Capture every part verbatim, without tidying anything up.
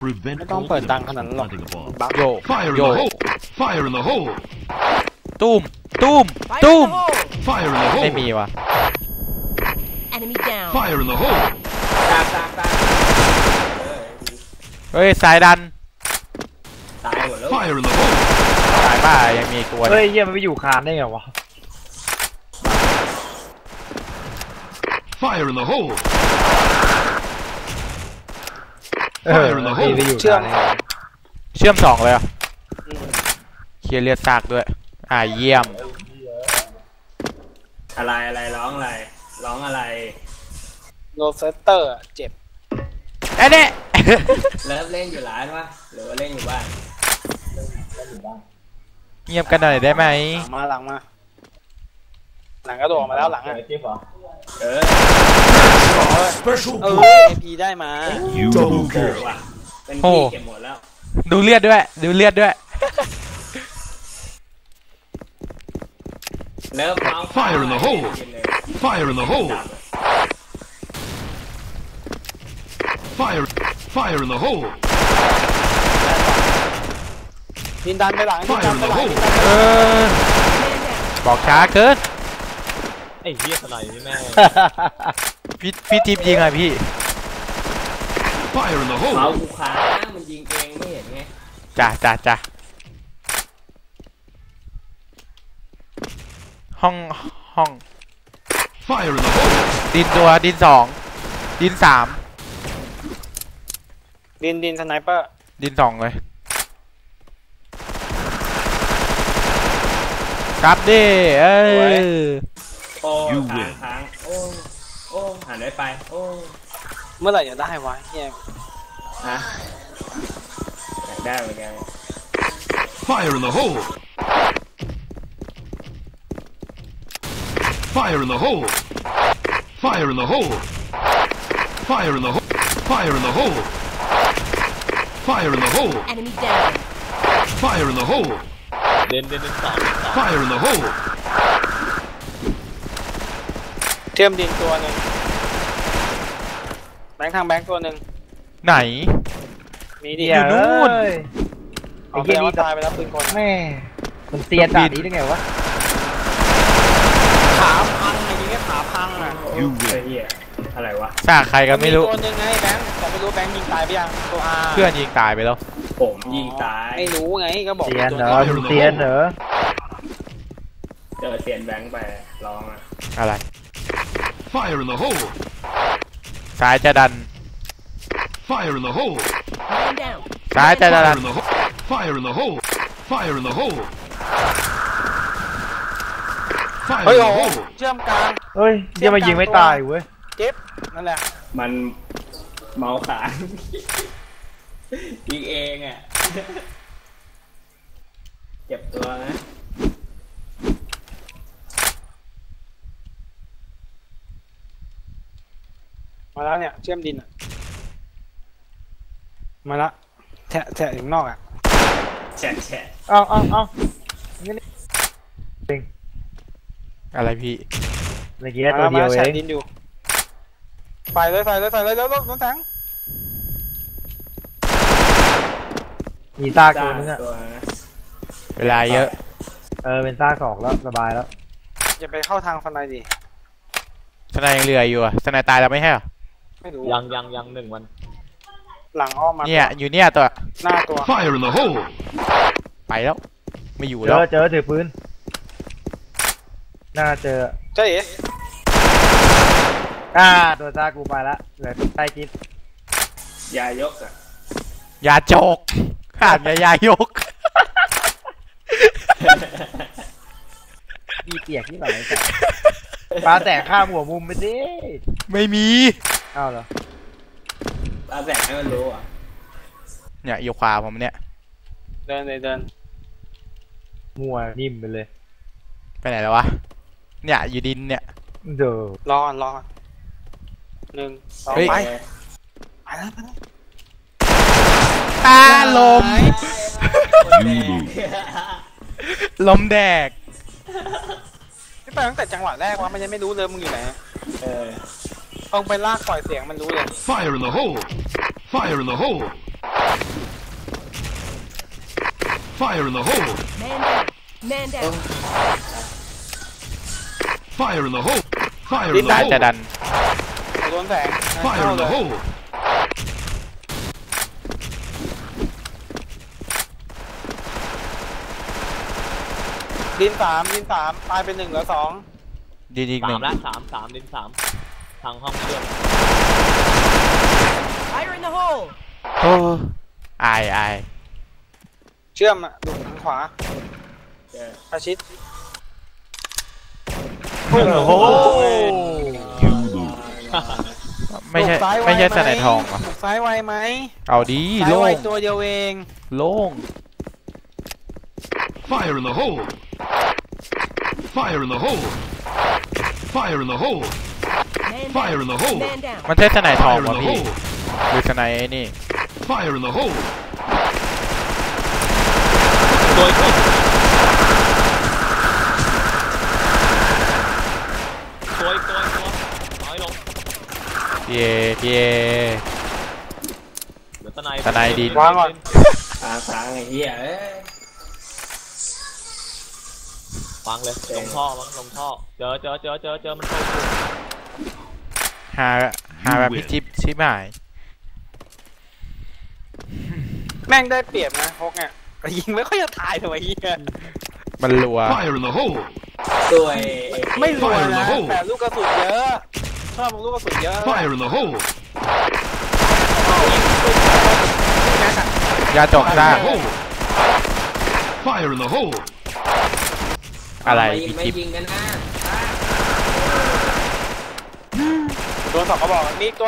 ไม่ต้องเปิดดังขนาดนั้นหรอกบักโย Fire in โย the hole! Fire in the hole! ตุ้มตุ้มตุ้ม Fire in the ไม่ hole! มีวะ Enemy down. Fire in the hole! ตากตากตากเฮ้ยสายดันตายหมดแล้ว Fire in the hole! สายบ้ายังมีตัวเฮ้ยเยี่ยมันไปอยู่คานได้ไงวะ Fire in the hole! เออ Fire in the พี่ hole! ไปอยู่เชื่อคาม นได้ไงเชื่อมสองเลยอ่ะเคลียร์เลือดซากด้วยอ่าเยี่ยมอะไรอะไรร้องอะไรร้องอะไรโรเซสเตอร์เจ็บเอ๊ะเนี่ยเลิฟเล่นอยู่ร้านวะหรือว่าเล่นอยู่บ้านเงียบกันหน่อยได้ไหมหลังมาหลังมาหลังกระโดดออกมาแล้วหลังอ่ะเออ Special เออ point! เอพีได้มา You double โอ้ kill! ว่ะเป็นพี่เก็บหมดแล้วดูเลือดด้วยดูเลือดด้วยเลิฟเมาส์ Fire in the hole! Fire in the hole! Fire! Fire in the hole! ดินดันไปหลังดินดั Fire น in ไป the หลัง hole! เออบอกช้าเกินไอ้เหี้ยสไนนี่แม่พี่พี่ทิพย์ยิงอ่ะพี่ Fire in the เมา hole! ส์กูค้ามันยิงเองไม่เห็นไงจ้ะจ้ะจ้ะห้องห้อง Fire in the hole! ดินตัวดินสองดินสามดินดินสไนเปอร์ดินสองเลยครับดิเอ้ยโอ้ You ค้าง win ค้างโอ้โอ้หันได้ไปโอ้เมื่อไหร่จะได้วะเฮียฮะอยากได้เหมือนกัน Fire in the hole! Fire in the hole! Fire in the hole! Fire in the hole! Fire in the hole! Fire in the hole! Enemy down. Fire in the hole! เดินเดินเดินสามสาม Fire in the hole! เชื่อมดินตัวหนึ่งแบงค์ทางแบงค์ตัวหนึ่งไหนมีดิอยู่นู่นไอ้เอาไปเหี้ยแล้วนี่ตายไปแล้วปืนคนแม่มันเตียนด่านนี้ได้ไงวะขาพังไอ้ยิงแค่ขาพังอ่ะ You เฮ้ย win! เหี้ยอะไรวะซากใครก็ไม่รู้ตัวหนึ่งไงแบงค์แต่ไม่รู้แบงค์ยิงตายไปยังตัวอาเพื่อนยิงตายไปแล้วผมยิงตายไม่รู้ไงก็บอกเตียนตัวเหรอมึงเตียนเหรอเจอเสียนแบงค์ไปร้องอ่ะอะไร Fire in the hole! ซ้ายจะดัน Fire in the hole! Man down. ซ้ายจะดั Fire น in the hole! Fire in the hole! Fire in the hole! Fire เฮ้ย in โอ้ the โห hole! เชื่อมกลางเฮ้ยเยี่ยมายิงไม่ตายเว้ยเจ็บนั่นแหละมันเมาส์ขายิงเองอ่ะเจ็บตัวนะมาแล้วเนี่ยเชื่อมดินอ่ะมาละแทะแทะถึงนอกอ่ะแฉะแฉะเอาเอาเอาอะไรพี่เมื่อกี้ตัวเดียวมาเอแฉะงดินอยู่ไฟเลยไฟเลยไฟเลยแล้วรถน้องแสงมีซากตัวนึงอะตัวนะเวลาเยอะเออเป็นซากสองแล้วสบายแล้วอย่าไปเข้าทางฟันไนดิสนายยังเหลืออยู่อ่ะสนายตายแล้วไม่ใช่เหรอไม่รู้ยังยังยังหนึ่งวันหลังอ้อมมาเนี่ยอยู่เนี่ยตัวหน้าตัว Fire in the hole! ไปแล้ว ไม่อยู่เจแล้วอเจอถือปืนน่าเจอเจ๊เอ๋อ่าตัวซากกูไปละเหลือตัวใต้จิ๊บยายกอ่ะยาโจกขาดยายายกอีเปียกที่ไหนแต่ปลาแตกข้ามหัวมุมไปดิไม่มีอ้าวเหรอตาแสงให้มันรู้อ่ะเนี่ยอยู่ขวาผมเนี่ยเดินเลยเดินมัวนิ่มไปเลยไปไหนแล้ววะเนี่ยอยู่ดินเนี่ยเด้อรอก่อนรอก่อนหนึ่งสองเฮ้ยไปไปแล้วไปแล้วตาลม You lose. ลมแดกไม่ไปตั้งแต่จังหวะแรกว่ามันยังไม่รู้เลยมึงอยู่ไหนเออต้องไปลากปล่อยเสียงมันรู้เลย Fire in the hole! Fire in the hole! Fire in the hole! Man down. Man down. Fire in the hole! Fire in ได้ the จะดั hole! นโดนแสง Fire เข้า in เล the ย hole! ดินสามดินสามตายเป็นหนึ่งเหลือสองดีอีกหสานึ่มงละสามสามดินสามทางห้องเชื่อม Fire in the hole. โอ้อายอายเชื่อมอ่ะดูทางขวาเจออาชิดโอ้โหไม่ใช่บุกซ้ายวไม่ใช่หสไนทองเหรอบุกซ้ายไวไหมเอาดีซ้ายโล่ไวงตัวเดียวเองโล่ง Fire in the hole! Fire in the hole! Fire in the hole! Man Fire in down. the hole! Man down. มันใช่สไนทอง Fire in วะ the พี่ hole! หรือสไนไอ้นี่ Fire in the hole! โดยคนตัวอีกตัวอีกตัวน้อยลงเย่เย่เหลือตะไนตะไนดินวางก่อนค้างค้างไอ้เหี้ยเอ้ยวางเลยลงท่อมั้งลงท่อเจอเจอเจอเจอเจอมันเข้าอยู่หาหาแบบพี่จิ๊บชิบหายแม่งได้เปรียบนะพกเนี่ยแต่ยิงไม่ค่อยจะตายทำไมเฮียมันรัว Fire in the hole! ตัวยไม่รวย Fire in the นะ hole แต่ลูกกระสุนเยอะชอบลูกกระสุนเยอะ Fire in the hole! ยาจก Fire ซาก in the hole! Fire in the hole! อะไรไม่พี่ไม่จิ๊บยิงกันนะโดนสองกระบอกมีตัว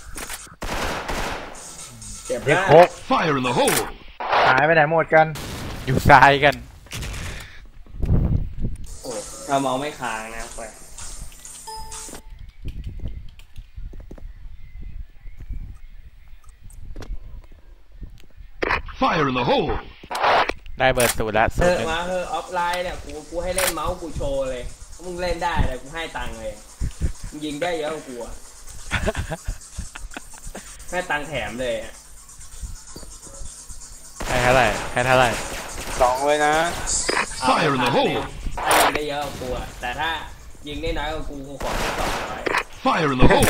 เจ็บเด็กนะโคก Fire in the hole! หายไปไหนหมดกันอยู่ซ้ายกันโอ้ถ้าเมาไม่ค้างนะไป Fire in the hole! ได้เบอร์สูตรแล้วเอสูตรอหนึ่งมาเออออฟไลน์เนี่ยกูกูให้เล่นเมาส์กูโชว์เลยถ้ามึงเล่นได้เลยกูให้ตังค์เลยมึงยิงได้เยอะกว่ากูอะให้ตังค์แถมเลยอะให้เท่าไหร่ให้เท่าไหร่สองเลยนะเอาไป Fire in the พันหนึ่ง hole! ถ้ายิงได้เยอะกว่ากูอะแต่ถ้ายิงได้น้อยกว่ากูกูขอแค่สองร้อย Fire in the hole!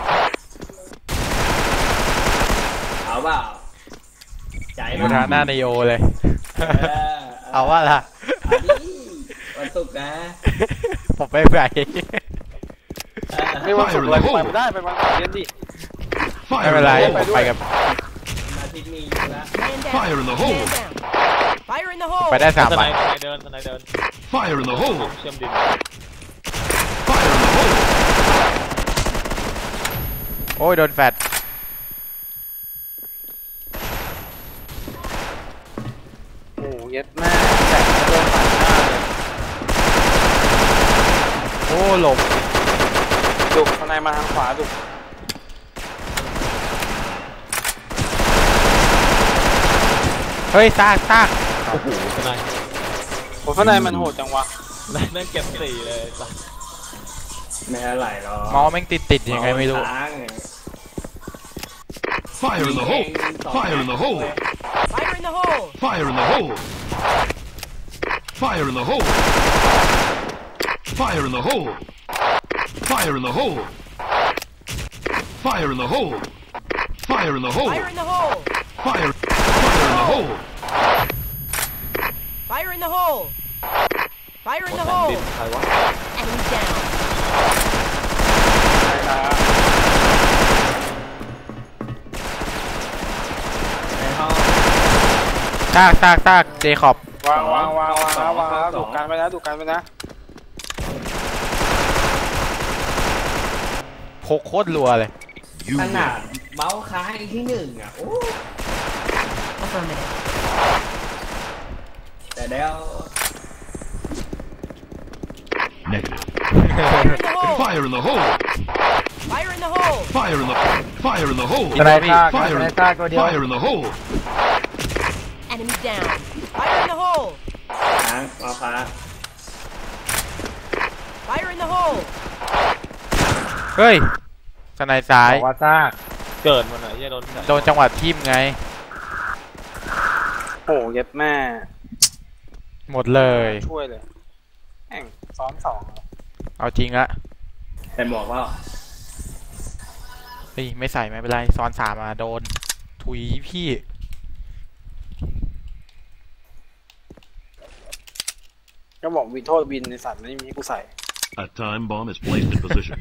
เอาเปล่าใจมูมั้ยทาหน้าในโอเลยเออเอาว่าล่ะเอาดิวันศุกร์นะผมไม่ไปเออไม่วันศุกร์อะไรไปไม่ได้ไปวันเสาร์เย็นดิไม่ Fire เป็น in ไร the ผม hole! ไปกับวันอาทิตย์มีอยู่แล้ว Man down. Fire in the hole! Man down. Fire in the hole. ไปได้สามตะไนวันตะไนเดินตะไนเดิน Fire in the hole! เชื่อมดิน Fire in the hole! โอ้ยโดนแฟดโอ้เย็ดแม่แต่โดนปัดหน้าเลยโอ้หลบดุข้างในมาทางขวาดุเฮ้ยซากซากโอ้โหตะไนโอ้ข้างในมันโหดจังวะตะไนแม่งเก็บสี่เลยสัสไม่เท่าไหร่หรอกเมาส์แม่งติดติดยังไงไม่รู้ค้างไง Fire in the hole! Fire in the hole! Fire in the hole. Fire in the hole! Fire in the hole! Fire in the hole! Fire in the hole! Fire in the hole! Fire in the hole! Fire in the hole. Fire! Fire in the hole! Fire in the hole. Fire in the แผ่น hole. ดินใครวะ Enemy down. ในห้องซากซากซากเจคอบวางวางวางวางแล้ววางแล้วดุกันไปนะดุกันไปนะโคโคตรรัวเลย You ขนาด win. เมาส์ค้างที่หนึ่งอ่ะโอ้ Affirmative. แต่เดี๋ยว Negative. Fire in the hole. Fire in the hole! Fire in the hole. Fire in the Fire in the hole! สไนซากส Fire ไน in ซากตัวเดียว Fire in the hole! Enemy down. Fire in the hole. ค้างเมาส์ค้าง Fire in the hole. เฮ้ยสไนซ้ายบอกว่าซากเกิดมันไหนเหี้ยโดนโดนจังหวะทิ่มไงโอ้เย็ดแม่หมดเลยช่วยเลยแม่งซ้อนสองเอาจริงละแต่หมวกว่าเฮ้ยไม่ใส่ไม่เป็นไรซ้อนสามมาโดนถุยพี่ก็บอกวินโทษวินในสัตว์ไม่มีกูใส่ A time bomb is placed in position.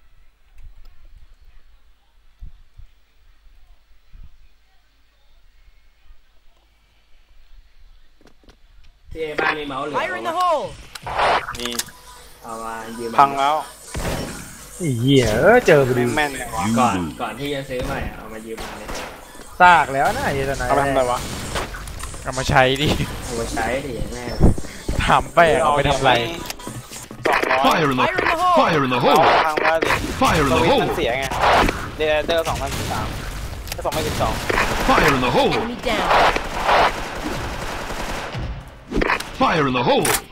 ที่บ้านมีเมาส์เหลือ Fire in the hole! นี่เอามายืมพังแล้วไอ้เหี้ยเออเจอพอดีแม่นเนี่ยวะ You ก่อน lose. ก่อนที่จะซื้อใหม่อะเอามายืมมาเนี่ยซากแล้วนะไอ้ตอนไหนเอาไปทำอะไรวะเอามาใช้ดิเอาไปใช้ดิแม่ถามไปอะเอาไปทำอะไรสองร้อย Fire in the Fire in the hole! fire in the เอา hole. พังแล้วดิ Fire in ส the วิตช์ hole. มันเสียไงเดเดอร์สองพันสิบสามก็สองพันสิบสอง Fire in the hole. Enemy down. Fire in the hole. Fire in the hole.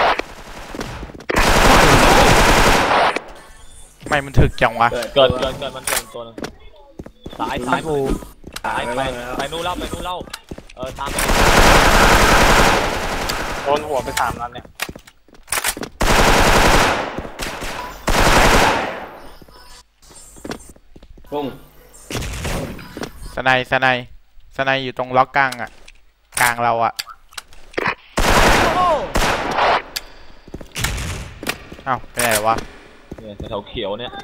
ไม่มันถึกจังวะเกิดเกิดเกิดเกิดมันเกิดตัวนึงซ้ายซ้ายกูซ้ายไปแล้วไปนู่นเล่าไปนู่นเล่าเออตามไปโดนหัวไปสามนัดเนี่ยปุ้งสไนด์สไนด์สไนด์อยู่ตรงล็อกกลางอะกลางเราอะ Fire in the hole! เอ้าไปไหนวะเนี่ยแถวเขียวเนี่ย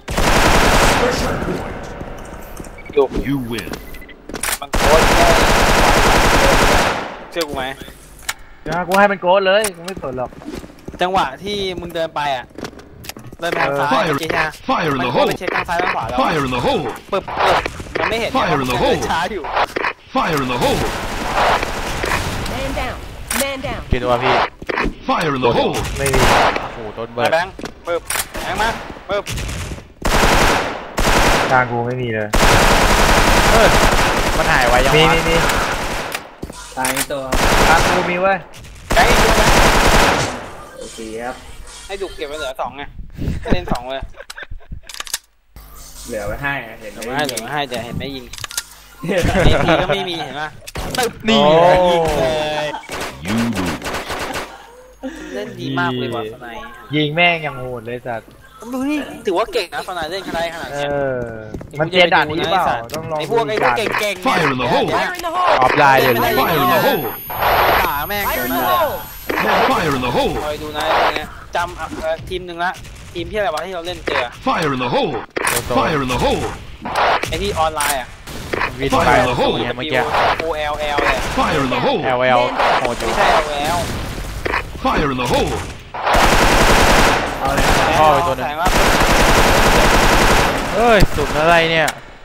ดู You win. มันโคตรแย่เชื่อกูไหมเดี๋ยวกูให้มันโกดเลยกูไม่สนหรอกจังหวะที่มึงเดินไปอ่ะเดินไปทางซ้าย Fire เมื่อกี้ฮะ Fire in มัน the โคตร hole. ไปเช็คทางซ้ายทางขวาแล้ว Fire in the hole. ปึ๊บปึ๊บมันไม่เห็น Fire in the มัน hole เดินช้าอยู่ Fire in the hole. Man down. Man down. กี่ตัวพี่ Fire in the hole. ไม่มีโอ้โหโดนเบิไอ้ร์ดแบงค์ปึ๊บแบงค์มาปึ๊บกลางกูไม่มีเลยเออมันหายไวยังมีวะมีมีตายตัวกลางกูมีเว้ยแบงค์อีกตัวแบงค์โอเคครับให้ดุเก็บไว้เหลือสองไงให้เล่นสองเลยเหลือไว้ให้อะเห็นเหลืไหอมไว้ให้เหลือไว้ให้เดี๋ยวเห็นไม่ยิงเนี่ยเอทีก็ไม่มีเห็นปะตึ๊บนี่โอ้ยิงเลย You lose. เล่นดีมากเลยว่ะสไนด์ยิงแม่งยังโหดเลยสัตว์ดูนี่ถือว่าเก่งนะสไนด์เล่นขนาดขนาดเอเนี้ยอมันเจนด่านนี้หรือเปล่าต้องลองไอ้พวกไอ้พวกด่านเก่งๆเนี่ย Fire in the hole เนี่ย Fire in the hole! ออฟไลน์เลย Fire in the hole. ด่าแม่ง Fire in นั่ the นแหละ hole! Fire in the hole. คอยดูนะอะไรเงี้ยจำอ่ะเอ่อทีมหนึ่งละทีมที่อะไรวะที่เราเล่นเจอ Fire in the hole. Fire in the hole. ไอ้ที่ออนไลน์อ่ะวินไปโอ้ยเมื่อกี้ O L L เลย Fire in the hole. แอลแอลโหดอยู่ไม่ใช่ L L Fire in the hole. เอาเลยพ่อไปตัวหนึงแสงว่าเอ้ยสุดอะไรเนี่ย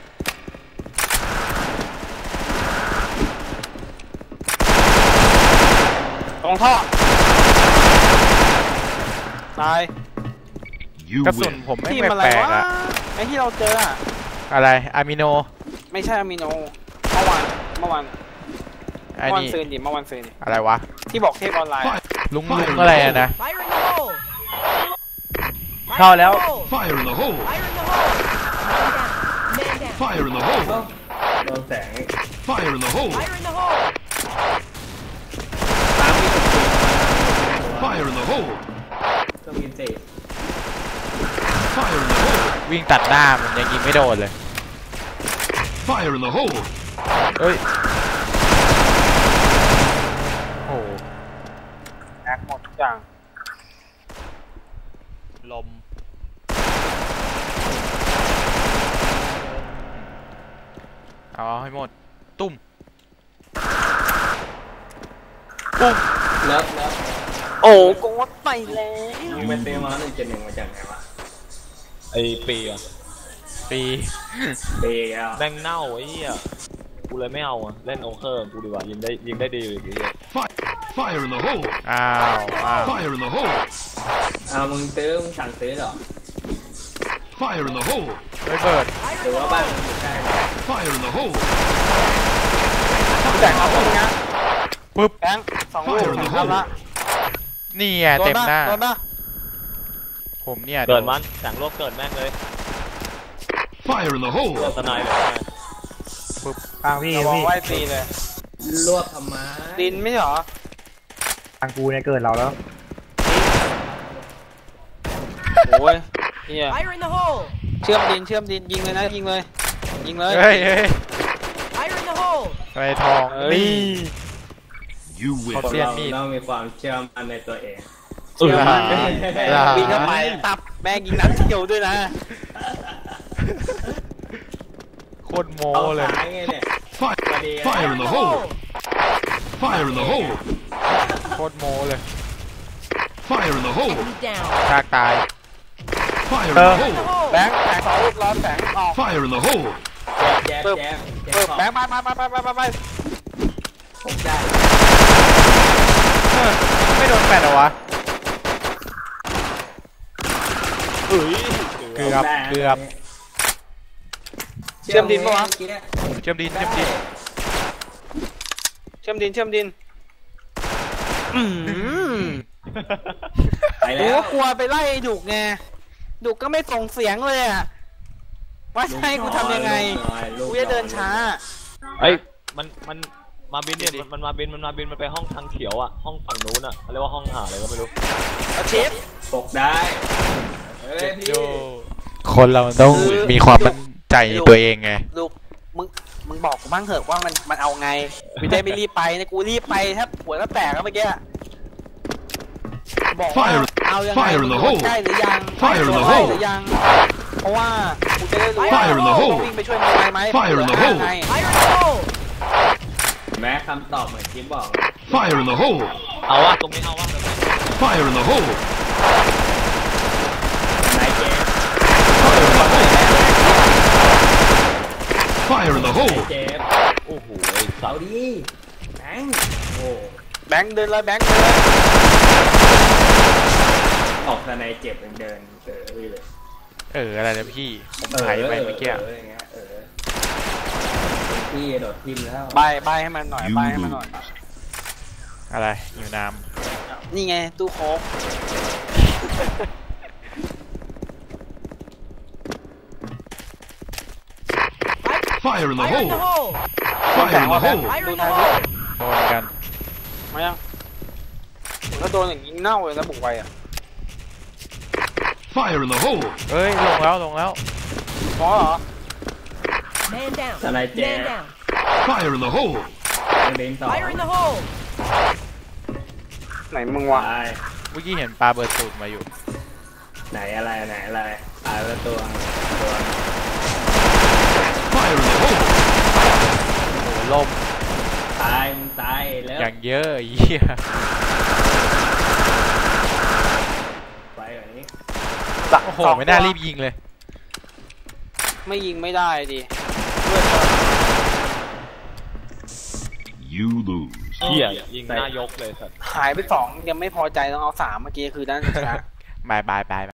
ตรงท่อตาย You กระสุน win. ผมไม่ทีมแปอะไรลกวะๆอะไอ้ที่เราเจออะอะไรอะมิโนไม่ใช่อะมิโนเมื่อวานเมื่อวานไอ้เมื่อวานนี่ซืนดิเมื่อวานซืนดิอะไรวะที่บอกเทพออนไลน์อะลุงลุงอะไรอะนะ Fire in the hole! Fire เข้า in the แล้ว hole! Fire in the hole. Fire in the hole! Man down. Man down. Fire in the hole. โดนแสง Fire in the hole. Fire in the hole! ตามที่ถูก Fire in the hole. ก็มีเศษ Fire in the hole. วิ่งตัดหน้ามันยังยิงไม่โดนเลย Fire in the hole. เฮ้ยโอ้โหแอคหมดทุกอย่างลมเอาให้หมดตุ้มตุ้มเลิฟเลิฟโอ้โกดไปแล้วมึงไปซื้อมาหนึ่งเจ็ดหนึ่งมาจากไหนวะไอ้ปีอะปีเบย์อ่ะแม่งเน่าไอ้เหี้ยกูเลยไม่เอาอะเล่นโอเคอร์กูดีกว่ายิงได้ยิงได้ดีเลยไอ้เหี้ย Fire. Fire in the hole. อ้าวอ้าว Fire in the hole. เอามึงซื้อมึงสั่งซื้อเหรอ Fire in the hole. ไม่เปิดหรือว่าบ้านมึงอยู่ใกล้ Fire in the hole. แต่เอาพวกนี้ปึ๊บแบงค์สองลูกสองครับละนี่ไงโดนเต็มปะหน้าโดนปะผมเนี่ยเกิดมันแสงโลกเกิดแม่งเลย Fire in the hole. ตัวสไนเลยกลางพี่ระวังพี่ไว้ตีเลยรวบทำไมดินไม่ใช่เหรอทางกูเนี่ยเกิดเราแล้วโอ้ยเฮีย Fire in the hole! เชื่อมดินเชื่อมดินยิงเลยนะยิงเลยยิงเลยเฮ้ยเฮ้ย Fire in the hole! ไปทองเอ้ยนี่ You win. ขอคนเสียเรามีดต้องมีความเชื่อมั่นในตัวเองเชื่อมันลาวิ่งเข้าไปตับแม่งยิงนัดเดียวด้วยนะโคตรโมเอาเลยสายไงเนี่ย Fire, พอดี fire in the hole. Fire in the hole. โคตรโมเลย Fire in the hole. Enemy down! ชากตาย Fire in Uh. the In the hole. hole! แบงค์แบงค์สองลูกร้อนแบงค์ออก Fire in the hole. แจ๊บปึ๊บแจ๊บแจ๊บเออขอบแบงค์มามามามามามาผมได้เออไม่โดนแฟนเหรอวะเฮ้ยเกือบเกือบเชื่อมดินปะวะเมื่อกี้เนี่ยเชื่อมดินเชื่อมดินเชื่อมดินเชื่อมดินอืมไปกูแล้วก็กลัวไปไล่ดุกไงดุกก็ไม่ส่งเสียงเลยอะว่าจะให้กูทำยังไงลูกกูหน่อยจะเดินช้าเอ้ยมันมันมาบินเนี่ยมันมันมาบินมันมาบินมันไปห้องทางเขียวอ่ะห้องฝั่งนู้นอ่ะเขาเรียกว่าห้องหาอะไรก็ไม่รู้เอาเชฟปกได้เฮ้ยพี่คนเรามันต้องคือมีความมั่นใจในตัวเองไงดุกมึงมึงบอกกูบ้างเถอะว่ามันมันเอาไงกูจะได้ไม่รีบไปนะกูรีบไปแทบหัวก็แตกแล้วเมื่อกี้บอกว่า Fire เอายังไง Fire in the hole ใกล้หรือยัง Fire in the ใกล้ hole หรือยังเพราะว่ากูจะได้รู้ว่า Fire in the hole ต้องวิ่งไปช่วยมึงไหมไหม Fire in the hole ไง Fire in the hole! แม้คำตอบเหมือนกิ๊บบอก Fire in the hole. เอาวะตรงนี้เอาวะ Fire in the hole. นายเจ๊ Fire in the นาย hole. เจ๊โอ้โหไอ้สัเอาตว์ดิแบงค์โอ้แบงค์เดินเลยแบงค์เดินเลยออกแต่นายเจ็บยังเดินเออเลยเอออะไรนะพี่ผมไถไปเมื่อกี้เอออย่างเงี้ยเออพี่โดดทิมแล้วใบใบให้มันหน่อยใบให้มันหน่อยอะไรอยู่น้นี่ไงตู้โค้ก Fire in the Fire in the hole. hole! Fire in the hole. Fire in the hole! ำโดนกันมายังถ้าโดนอย่างนี้เน่าเลยนะบุกไปอ่ะ Fire in the hole. เฮ้ยลงแล้วลงแล้วพอเหรอ Man down! ทนายเจ๊ Man down! Fire in the hole. เดินต่อ Fire in the hole! ไหนมึงวะไปเมื่อกี้เห็นปลาเบิร์ดสูตรมาอยู่ไหนอะไรไหนอะไรตายแล้วตัวตัว Fire in the hole. โอ้โหล่มตายมึงตายแล้วอย่างเยอะไอ้เหี้ยไปแบบนี้โอ้โหไม่น่ารีบยิงเลยไม่ยิงไม่ได้ดิ You lose. เหี้ยยิงหน้ายกเลยสัตว์หายไปสองยังไม่พอใจต้องเอาสามเมื่อกี้คือด้านชนะบายบายบาย